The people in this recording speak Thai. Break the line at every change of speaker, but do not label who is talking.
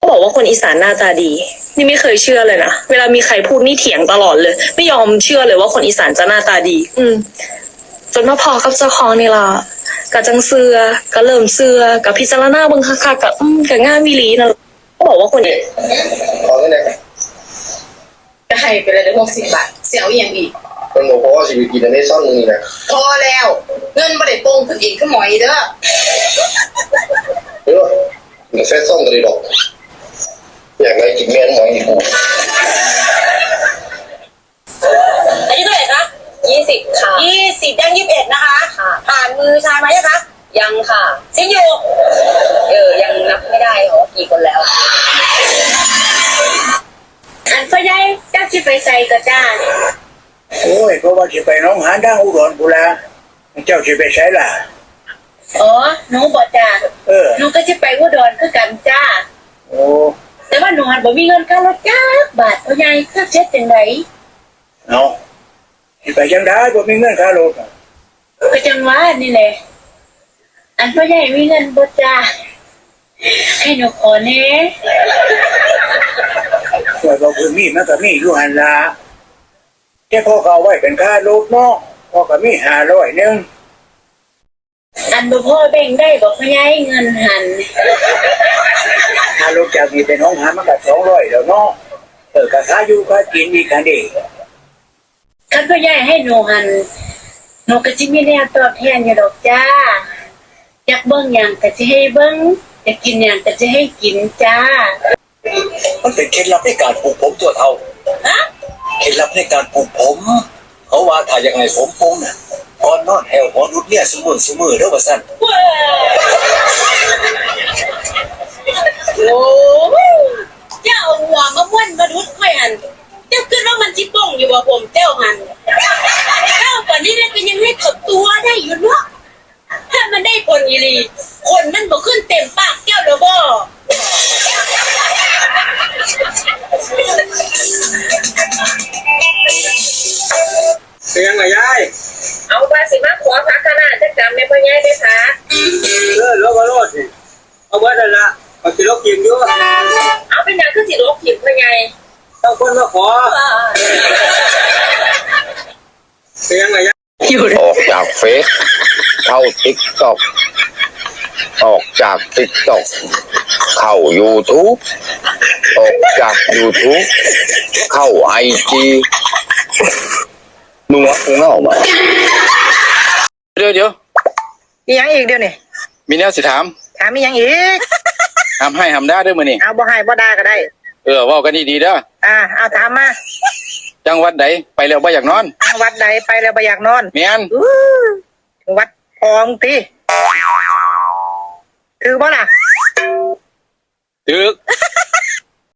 บอกว่าคนอีสานหน้าตาดี นี่ไม่เคยเชื่อเลยนะเวลามีใครพูดนี่เถียงตลอดเลย ไม่ยอมเชื่อเลยว่าคนอีสานจะหน้าตาดี จนมาพอกับเจ้าของนี่ล่ะกะจังเสือกะเริ่มเสือกะพิจารณาเบิ่งคักๆกะกะง่ามอีหลีนะเขาบอกว่าคน
ขอเงินไหน
จะให้ไปเลยได้60 บาทเสียวอย่างอีก
มันบอกว่าชีวิตกินในซ่อนมึงนี่นะ
พอแล้วเงินบ่ได้โป่งขึ้นอีกขึ้นหมอยเด้อ
เออเดี๋ยวแฟนซ่อนกันเลยดอกอยากได้กินแม่นหมอยอีก
อายุเท่าไหร่คะ20 ค่ะ20ยัง21นะคะผ่านมือชายมายังคะยังค่ะซิอยู่ยังนับไม่ได้หรอกี่คนแล้วอันพ่อใหญ่เจ้าที่ไปใส่กระจ้า
โอ้ยเพราะว่าจะไปน้องหานดังอุดรกูละเจ้าจะไปใช้ล่ะ
อ๋อหนูบอกจ้าหนูก็จะไปอุดรคือกันจ้า
โอ้
แต่ว่าหนูหันบ่มีเงินค่ารถจ้าบาทพ่อใหญ่ค่าเช็ดจังได
เอาจะไปจังได้บ่มีเงินค่ารถ
ก็จังว่านี่แหละอันพ่อใหญ่มีเงินบ่จ้าให้หนูขอแน่
ว่าบ่คือมีมันก็มีอยู่หั่นล่ะแค่พ่อเขาไว้เป็นค่ารถเนาะพ่อก็มี500นึง
อันบ่พ่อแบ่งได้บ่พ่อใหญ่เงินหัน
ค่ารถจากนี้ไปน้องหานมันก็200แล้วเนาะก็ค่าอยู่ค่ากินอีกคันดิ
คันพ่อใหญ่ให้หนูหันหนูก็สิมีแนวตอบแทนอยู่ดอกจ้าอยากเบิ่งหยังก็สิให้เบิ่งอยากกินหยังก็สิให้กินจ้า
มันเป็นเคล็ดลับในการปลูกผมตัวเท่าเคล็ดลับในการปลูกผมเขาว่าถ้ายังไงผมปงน่ะก่อนนอนแหวหัวนุดเนี่ยสมือเด้อว่าซั่น
โอ้เจ้าหัวมาม่วนมนุษย์ค่อยหันเจ้าคิดว่ามันสิป้องอยู่บ่ผมเจ้าหันเจ้าปานนี้ก็ยังให้ขับตัวได้อยู่เนาะถ้ามันได้ผลอีหลีคนมันบ่ขึ้นเต็มปากเจ้าดอกบ่
เสียงไงยาย
เอาภาษีมาขอพักขนาดจะจำไม่พ่อใหญ่ได้พัก
แล้วก็รอดสิเอาไว้นั่นละเอาสิลกกินอยู่
เอาเป็นอย่างคือสิลกกินพ่อใหญ่
ต้องคนมาขอเสียงไงยาย
ออกจากเฟซเข้าติ๊กต็อกออกจากติ๊กต็อกเข้า YouTube ออกจาก YouTube เข้า IG มึงวะกูเงามา
มียังอีกเดี๋ยวนี้
มีแนวสิถาม
มียังอีก
ทำให้ทำได้ด้วยมือนี่
เอาบ่ให้บ่ได้ก็ได้
ว่ากันดีๆเด้อ
เอาถามมา
จังหวัดใดไปแล้วบ่อยากนอน
จังหวัดใดไปแล้วบ่อยากนอน
แม่น
วัดพองติถือบ่ล่ะ
ถือ